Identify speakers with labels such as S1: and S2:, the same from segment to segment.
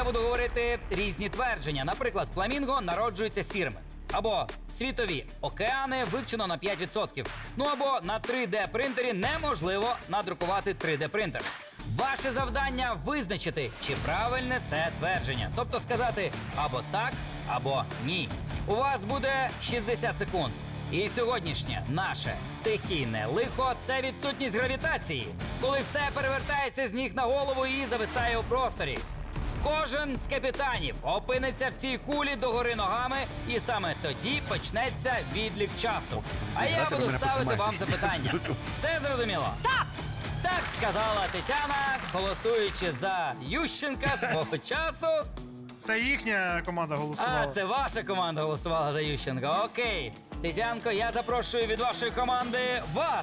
S1: буду говорити різні твердження. Наприклад, фламінго народжується сірими. Або світові океани вивчено на 5%. Ну або на 3D-принтері неможливо надрукувати 3D-принтер. Ваше завдання визначити, чи правильне це твердження. Тобто сказати або так, або ні. У вас буде 60 секунд. І сьогоднішнє наше стихійне лихо – це відсутність гравітації, коли все перевертається з ніг на голову і зависає у просторі. Кожен з капітанів опиниться в цій кулі догори ногами, і саме тоді почнеться відлік часу. А я буду ставити вам запитання. Це зрозуміло?
S2: Так!
S1: Так сказала Тетяна, голосуючи за Ющенка свого часу.
S3: Це їхня команда голосувала.
S1: А, це ваша команда голосувала за Ющенка. Окей. Тетянко, я запрошую від вашої команди вас.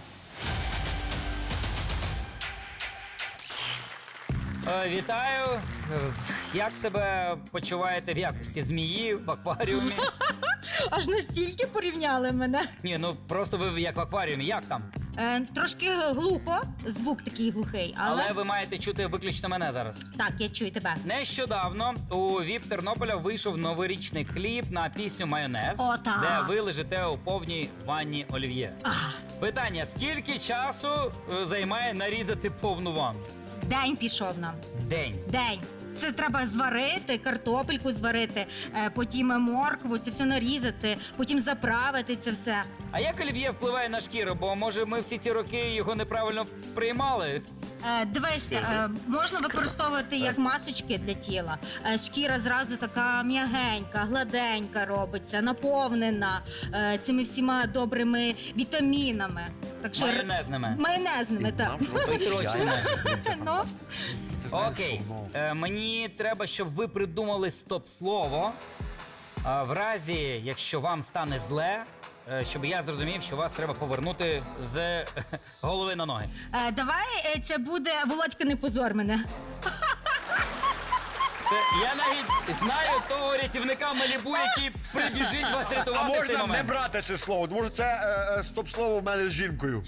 S1: Вітаю. Як себе почуваєте в якості змії в акваріумі?
S2: Аж настільки порівняли мене.
S1: Ні, ну просто ви як в акваріумі. Як там?
S2: Трошки глухо, звук такий глухий,
S1: Але ви маєте чути виключно мене зараз.
S2: Так, я чую тебе.
S1: Нещодавно у ВІП Тернополя вийшов новорічний кліп на пісню «Майонез»,
S2: О, так.
S1: де ви лежите у повній ванні олів'є. Питання, скільки часу займає нарізати повну ванну?
S2: День пішов нам.
S1: День.
S2: День. Це треба зварити, картопельку зварити, потім моркву, це все нарізати, потім заправити це все.
S1: А як олів'є впливає на шкіру? Бо, може, ми всі ці роки його неправильно приймали?
S2: Дивись, можна використовувати як масочки для тіла. Шкіра зразу така м'ягенька, гладенька робиться, наповнена цими всіма добрими вітамінами. Так що
S1: Майонезними.
S2: Майонезними, так.
S1: Витрочними.
S2: Ну,
S1: Окей. Мені треба, щоб ви придумали стоп-слово. В разі, якщо вам стане зле, щоб я зрозумів, що вас треба повернути з голови на ноги.
S2: давай це буде Володька, не позор мене.
S1: Я навіть знаю того рятівника Малібу, який прибіжить вас
S4: А
S1: рятувати в цей
S4: можна не
S1: момент.
S4: брати це слово, тому що це стоп-слово в мене з жінкою.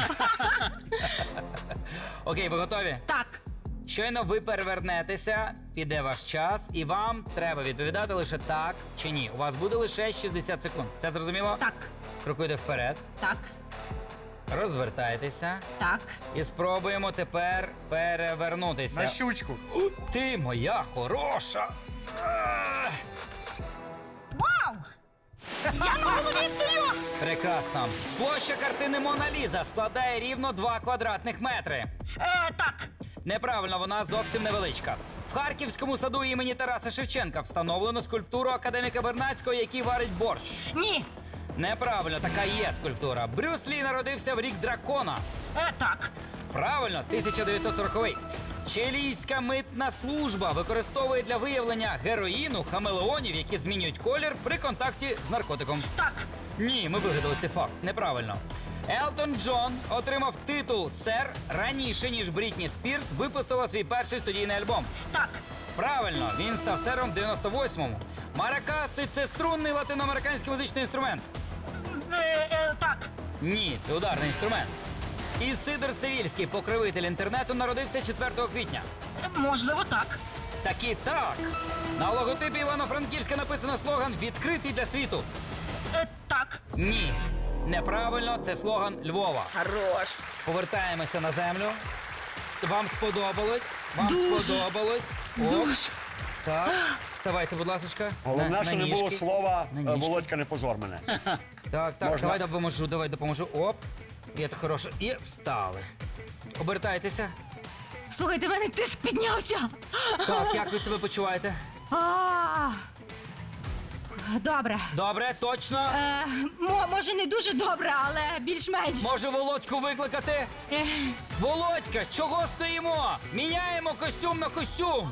S1: Окей, ви готові?
S2: Так.
S1: Щойно ви перевернетеся, піде ваш час, і вам треба відповідати лише так чи ні. У вас буде лише 60 секунд. Це зрозуміло?
S2: Так.
S1: Крокуйте вперед,
S2: Так.
S1: розвертайтеся
S2: Так.
S1: і спробуємо тепер перевернутися.
S3: На щучку.
S1: Ти моя хороша! Ах!
S2: Вау! Я на голові стою!
S1: Прекрасно. Площа картини Мона Ліза складає рівно 2 квадратних метри.
S2: Так.
S1: Неправильно, вона зовсім невеличка. В Харківському саду імені Тараса Шевченка встановлено скульптуру академіка Бернацького, який варить борщ.
S2: Ні.
S1: Неправильно, така є скульптура. Брюс Лі народився в рік дракона.
S2: Так.
S1: Правильно, 1940-й. Чилійська митна служба використовує для виявлення героїну хамелеонів, які змінюють колір при контакті з наркотиком.
S2: Так.
S1: Ні, ми вигадали цей факт. Неправильно. Елтон Джон отримав титул «Сер» раніше, ніж Брітні Спірс випустила свій перший студійний альбом.
S2: Так.
S1: Правильно, він став сером в 98-му. Маракаси – це струнний латиноамериканський музичний інструмент.
S2: Так.
S1: Ні, це ударний інструмент. Ісидор Севільський, покровитель інтернету, народився 4 квітня.
S2: Можливо, так.
S1: Таки так. На логотипі Івано-Франківська написано слоган «Відкритий для світу».
S2: Так.
S1: Ні. Неправильно, це слоган Львова.
S2: Хорош.
S1: Повертаємося на землю. Вам сподобалось? Вам
S2: Дуже.
S1: сподобалось? Оп.
S2: Дуже.
S1: Так. Вставайте, будь ласочка.
S4: Головне, що не було
S1: ніжки.
S4: слова
S1: На ніжки.
S4: «Володька, не позор мене».
S1: Так, так,
S4: Можна?
S1: давай допоможу. Оп. Є так хороше. І встали. Обертайтеся.
S2: Слухайте, в мене тиск піднявся.
S1: Так, як ви себе почуваєте?
S2: А. Добре.
S1: Добре, точно.
S2: Може, не дуже добре, але більш-менш.
S1: Може, Володьку викликати? Володька, чого стоїмо? Міняємо костюм на костюм.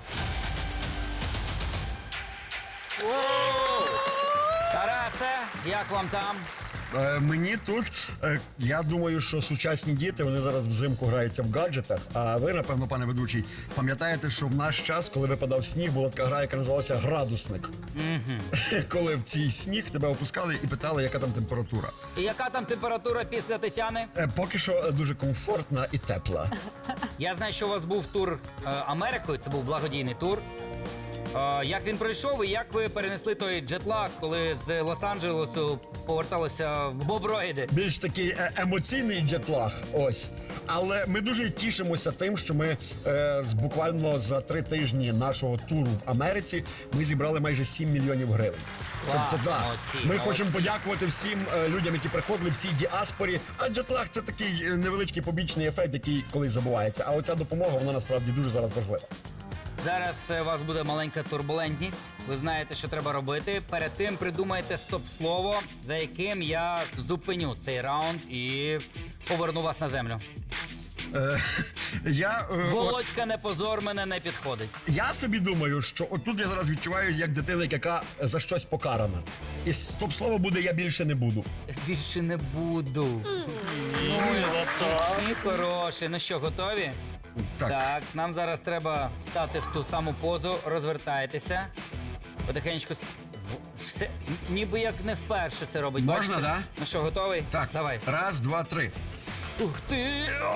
S1: Тарасе, як вам там?
S4: Мені тут, я думаю, що сучасні діти, вони зараз взимку граються в гаджетах, а ви, напевно, пане ведучий, пам'ятаєте, що в наш час, коли випадав сніг, була така гра, яка називалася «Градусник». Коли в цій сніг тебе опускали і питали, яка там температура.
S1: І яка там температура після Тетяни?
S4: Поки що дуже комфортна і тепла.
S1: Я знаю, що у вас був тур Америкою, це був благодійний тур. Як він пройшов і як ви перенесли той джетлаг, коли з Лос-Анджелесу поверталися в боброїди?
S4: Більш такий емоційний джетлаг, ось. Але ми дуже тішимося тим, що ми буквально за 3 тижні нашого туру в Америці ми зібрали майже 7 мільйонів гривень.
S1: Клас,
S4: Тобто, да,
S1: молодці,
S4: ми
S1: молодці.
S4: хочемо подякувати всім людям, які приходили, всій діаспорі. А джетлаг це такий невеличкий побічний ефект, який колись забувається. А оця допомога, вона насправді дуже зараз важлива.
S1: Зараз у вас буде маленька турбулентність. Ви знаєте, що треба робити. Перед тим придумайте стоп-слово, за яким я зупиню цей раунд і поверну вас на землю. Володька, не позор, мене не підходить.
S4: Я собі думаю, що отут я зараз відчуваю, як дитина, яка за щось покарана. І стоп-слово буде «я більше не буду».
S1: Більше не буду. Мій хороший. Ну що, готові? Так, нам зараз треба стати в ту саму позу, розвертайтеся. Потихеньку. Все, ніби як не вперше це робить.
S4: Можна,
S1: бачите?
S4: да?
S1: Ну що, готовий?
S4: Так,
S1: Давай.
S4: 1, 2, 3.
S1: Ух ти!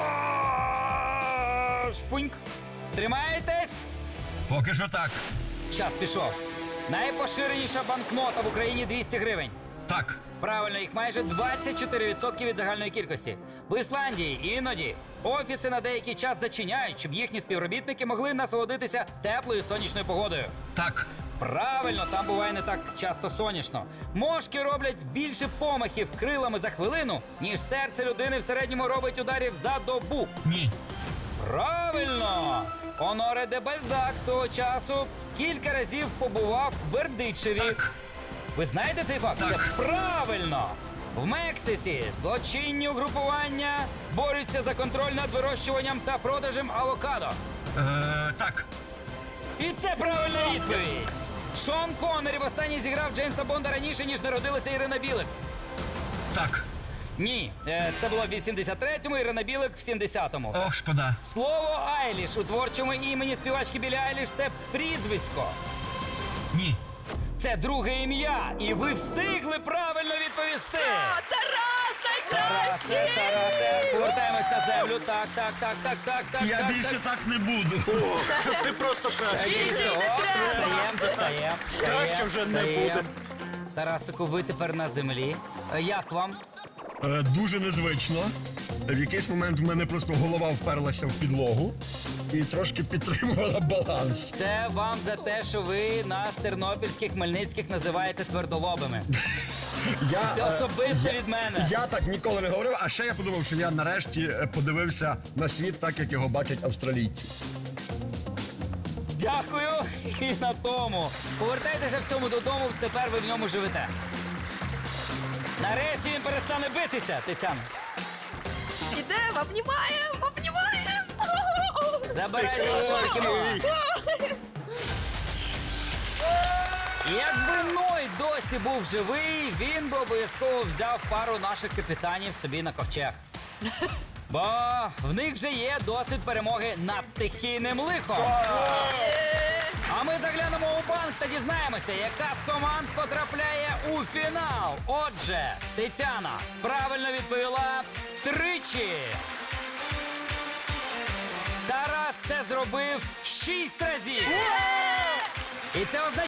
S1: Шпуньк. Тримаєтесь?
S4: Поки що так.
S1: Час пішов. Найпоширеніша банкнота в Україні 200 гривень.
S4: Так.
S1: Правильно, їх майже 24% від загальної кількості. В Ісландії іноді офіси на деякий час зачиняють, щоб їхні співробітники могли насолодитися теплою сонячною погодою.
S4: Так.
S1: Правильно, там буває не так часто сонячно. Мошки роблять більше помахів крилами за хвилину, ніж серце людини в середньому робить ударів за добу.
S4: Ні.
S1: Правильно! Оноре де Бальзак свого часу кілька разів побував в Бердичеві.
S4: Так.
S1: Ви знаєте цей факт?
S4: Так.
S1: Це правильно! В Мексиці злочинні угрупування борються за контроль над вирощуванням та продажем авокадо.
S4: Так.
S1: І це правильна відповідь! Шон Коннері востаннє зіграв Джеймса Бонда раніше, ніж народилася Ірина Білик.
S4: Так.
S1: Ні, це було в 83-му, Ірина Білик в 70-му.
S4: Ох, шкода.
S1: Слово Айліш у творчому імені співачки Білі Айліш – це прізвисько.
S4: Ні.
S1: Це друге ім'я, і ви встигли правильно відповісти. Тарасе, повертаємось на землю. Так.
S4: Я більше так не буду.
S3: Ти просто
S1: Встаєм.
S3: Краще вже не буде.
S1: Тарасику, ви тепер на землі. Як вам?
S4: Дуже незвично. В якийсь момент в мене просто голова вперлася в підлогу і трошки підтримувала баланс.
S1: Це вам за те, що ви нас тернопільських, хмельницьких називаєте твердолобими. Особисто від мене.
S4: Я так ніколи не говорив, а ще я подумав, що я нарешті подивився на світ так, як його бачать австралійці.
S1: Дякую і на тому. Повертайтеся в цьому додому, тепер ви в ньому живете. Нарешті він перестане битися, Тетяна.
S5: Ідемо, обнімаємо.
S1: Забирайте вашого покемона. Якби Ной досі був живий, він би обов'язково взяв пару наших капітанів собі на ковчег. Бо в них вже є досвід перемоги над стихійним лихом. А ми заглянемо у банк та дізнаємося, яка з команд потрапляє у фінал. Отже, Тетяна правильно відповіла 3. Тарас це зробив 6 разів. І це означає,